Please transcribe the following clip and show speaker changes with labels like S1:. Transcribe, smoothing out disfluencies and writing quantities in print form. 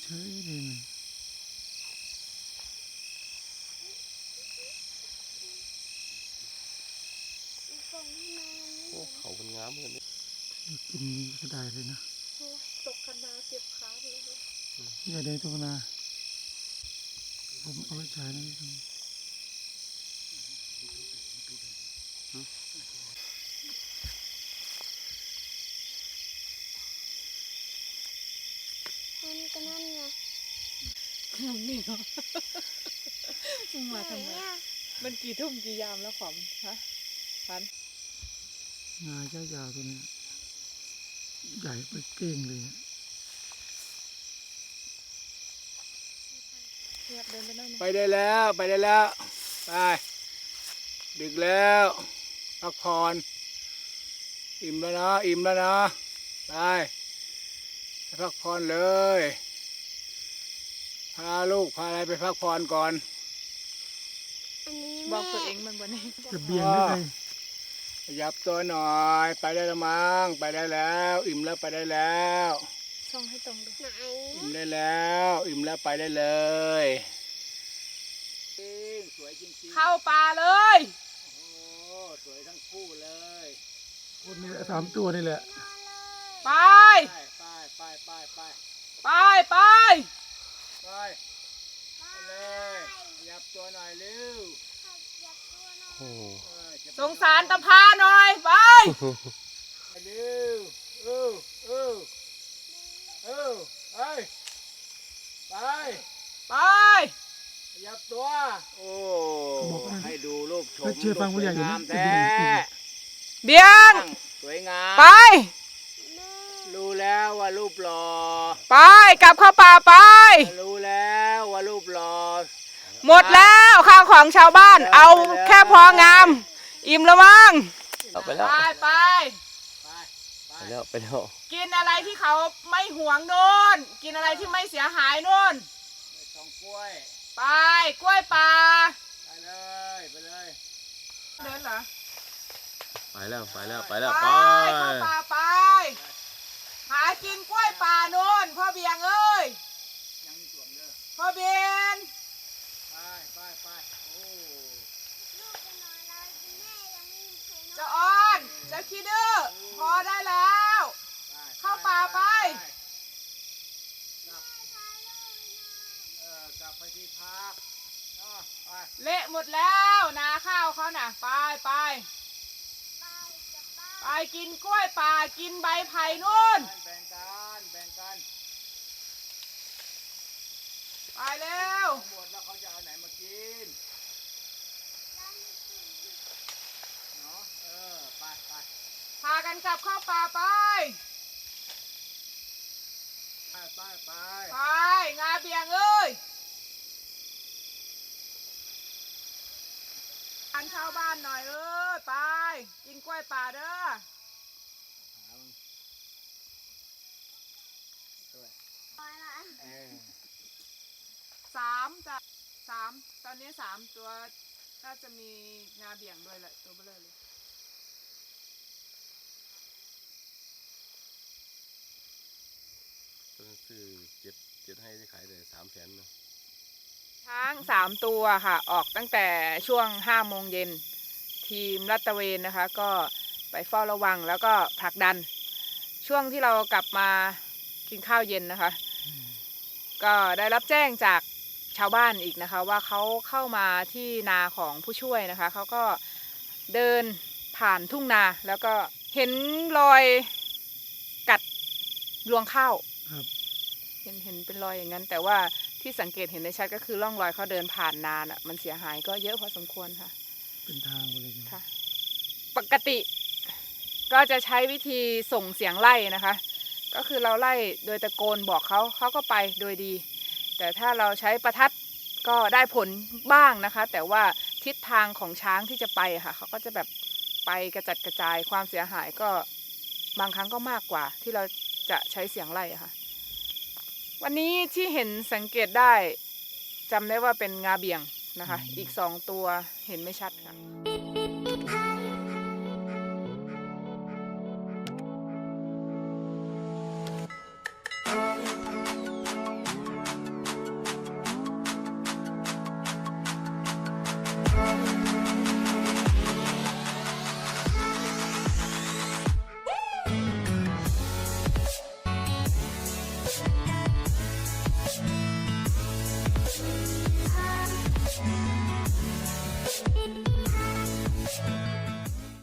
S1: เฉยเลยนะ
S2: โอ้เขาเป็นงามเหมือนกัน
S1: กินก็ได้เลยนะ
S3: ตกกันนาเจ็บขาไปเลย
S1: อย่าได้ตัวนาผมเอาไปใช้นะ
S4: มันก็นั่นไง
S3: นี่เหรอมึงมาทำไมมันกี่ทุ่มกี่ยามแล้วขอมฮะพัน
S1: งาเจ้ายาวตัวนี้ใหญ่ไปเก่งเลย
S3: เดินไปได้ไหม
S5: ไปได้แล้วไปได้แล้วไปดึกแล้วพักผ่อนอิ่มแล้วนะอิ่มแล้วนะไปพักผ่อนเลยพาลูกพาอะไรไปพักผ่อนก่อน
S4: อันนี้
S3: บอก
S4: แม่
S3: ตัวเองมันวันนี้
S1: จะเบี่ยงได้ไง
S5: ขยับตัวหน่อยไปได้แล้วมั้งไปได้แล้วอิ่มแล้วไปได้แล้ว
S3: ส่องให้ตรงดู
S4: ไหน
S5: อิ่มได้แล้วอิ่มแล้วไปได้เลยสวยจริงๆ
S3: เข้าป่าเลย
S5: โอ้สวยทั้งคู่เลย
S1: คนนี้แหละ3 ตัวนี่แหละ
S3: ไป
S5: ไปไปไปไป
S3: ไปไป
S5: ไปเลยขยับตัวหน่อยเร็ว
S2: โอ้
S3: สงสารตะพาหน่อยไป
S5: ไปเร็วไปไป
S3: ไป
S5: ขยับตัวโอ้ให้ดูรูปชม
S1: เชื่อฟังผู้ใหญ่อยู่นะ
S5: งาม
S1: จะ
S5: แท้
S3: เบียง
S5: สวยงาม
S3: ไป
S5: รู้แล้วว่ารูปหล่อ
S3: ไปกลับเข้าป่าไป
S5: รู้แล้วว่ารูปหล่อ
S3: หมดแล้วข้าวของชาวบ้าน เอาแค่พองาม อิ่มแล้วมั้ง
S2: เอาไปแล้ว
S3: ไปไป
S5: ไป
S2: ไปแล้วไปแล้ว
S3: กินอะไรที่เขาไม่หวงโน่นกินอะไรที่ไม่เสียหายโน่น
S5: ไปตองกล้วย
S3: ไปกล้วยป่า
S5: ไปเลยไปเลย
S3: เดินเหรอ
S2: ไปแล้วไปแล้วไป
S3: ไป
S2: แล้วไป
S3: เข้าป่าไป หากินกล้วยป่าโน่นพ่อเบียงเอ้ย
S5: ยังมีส่วนเด้อ
S3: พ่อเบียง
S5: ไปโอ้
S4: ลูกจะนอนแล้วแม่ยังไม่มีใครนอน
S3: เจะอ้อนเจะคิดดื้อพอได้แล้ว เข้าป่าไป
S5: กลับไปที่พักไป
S3: เละหมดแล้วนาข้าวเขาน่ะไปไป
S4: ไปจะไป
S3: ไปกินกล้วยป่ากินใบไผ่นู่น
S5: แบ่งกัน
S3: ไปเร็ว
S5: หมดแล้วเขาจะเอาไหนมากินเนาะไป
S3: พากันกลับเข้าป่าไป
S5: ไป
S3: ไปงาเบียงเอ้ยอันชาวบ้านหน่อยเอ้ยไปกินกล้วยป่าเด้อ
S4: ไปละ
S3: สามตอนนี้3 ตัวน่าจะมีงาเบี่ยงด้วยแหละตัวเบลอเลย
S2: ตัวซื้อเจ็ดให้ที่ขายได้300,000เนาะ
S3: ช้าง3 ตัวค่ะออกตั้งแต่ช่วง5 โมงเย็นทีมลาดตระเวนนะคะก็ไปเฝ้าระวังแล้วก็ผลักดันช่วงที่เรากลับมากินข้าวเย็นนะคะก็ได้รับแจ้งจากชาวบ้านอีกนะคะว่าเขาเข้ามาที่นาของผู้ช่วยนะคะเขาก็เดินผ่านทุ่งนาแล้วก็เห็นรอยกัดรวงข้าว
S1: ครับ
S3: เห็นเป็นรอยอย่างนั้นแต่ว่าที่สังเกตเห็นได้ชัดก็คือร่องรอยเขาเดินผ่านนานอ่ะมันเสียหายก็เยอะพอสมควรค่ะ
S1: เป็นทางไปเลยนะ
S3: ค่ะ ปกติก็จะใช้วิธีส่งเสียงไล่นะคะ ก็คือเราไล่โดยตะโกนบอกเขาก็ไปโดยดี แต่ถ้าเราใช้ประทัดก็ได้ผลบ้างนะคะ แต่ว่าทิศทางของช้างที่จะไปค่ะเขาก็จะแบบไปกระจัดกระจายความเสียหายก็บางครั้งก็มากกว่าที่เราจะใช้เสียงไล่ค่ะ วันนี้ที่เห็นสังเกตได้จำได้ว่าเป็นงาเบี่ยงนะคะ อีก2 ตัวเห็นไม่ชัดค่ะ
S1: from